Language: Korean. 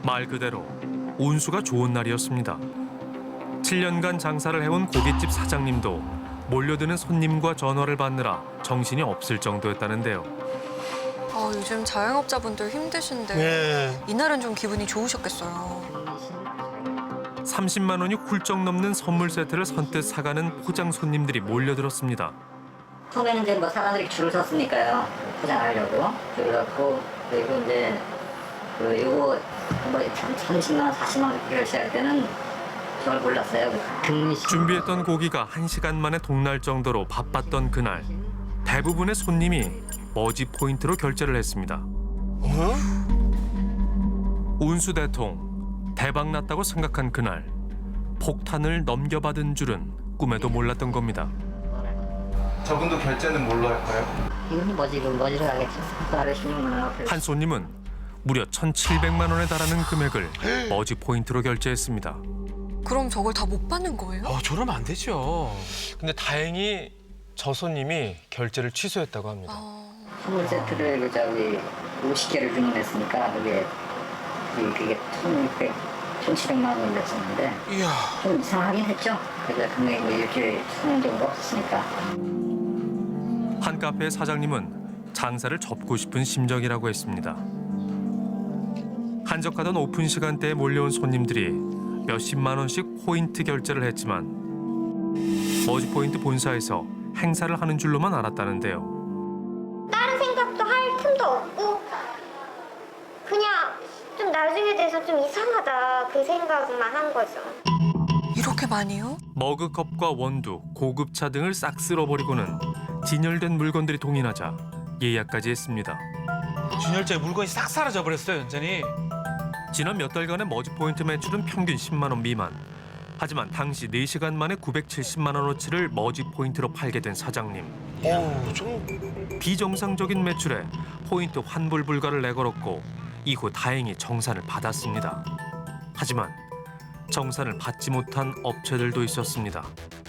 말 그대로 운수가 좋은 날이었습니다. 7년간 장사를 해온 고깃집 사장님도 몰려드는 손님과 전화를 받느라 정신이 없을 정도였다는데요. 요즘 자영업자분들 힘드신데 네. 이날은 좀 기분이 좋으셨겠어요. 30만 원이 훌쩍 넘는 선물 세트를 선뜻 사가는 포장 손님들이 몰려들었습니다. 처음에는 이제 뭐 사람들이 줄을 섰으니까요. 포장하려고 줄을 섰고, 그리고 이제 요거 뭐 30만 원, 40만 원 결제할 때는 저를 몰랐어요. 준비했던 고기가 1시간 만에 동날 정도로 바빴던 그날, 대부분의 손님이 머지 포인트로 결제를 했습니다. 운수 대통, 대박 났다고 생각한 그날, 폭탄을 넘겨받은 줄은 꿈에도 몰랐던 겁니다. 저분도 결제는 뭘로 할까요? 이분이 머지로 가겠죠. 하루에 16만 원. 한 손님은 무려 1,700만 원에 달하는 금액을 머지 포인트로 결제했습니다. 그럼 저걸 다 못 받는 거예요? 저러면 안 되죠. 근데 다행히 저 손님이 결제를 취소했다고 합니다. 선물 세트를 저기 50개를 주문했으니까 그게 1,600, 1,700만 원이 됐었는데 이야. 좀 이상하긴 했죠. 그래서 금액이 뭐 일주일에 1,000원 정도 없었으니까. 한 카페의 사장님은 장사를 접고 싶은 심정이라고 했습니다. 한적하던 오픈 시간대에 몰려온 손님들이 몇십만 원씩 포인트 결제를 했지만 머지 포인트 본사에서 행사를 하는 줄로만 알았다는데요. 다른 생각도 할 틈도 없고 그냥 좀 나중에 돼서 좀 이상하다 그 생각만 한 거죠. 이렇게 많이요? 머그컵과 원두, 고급차 등을 싹 쓸어버리고는 진열된 물건들이 동인하자 예약까지 했습니다. 진열자의 물건이 싹 사라져 버렸어요, 완전히. 지난 몇 달간의 머지 포인트 매출은 평균 10만 원 미만. 하지만 당시 4시간 만에 970만 원어치를 머지 포인트로 팔게 된 사장님. 좀 비정상적인 매출에 포인트 환불 불가를 내걸었고 이후 다행히 정산을 받았습니다. 하지만 정산을 받지 못한 업체들도 있었습니다.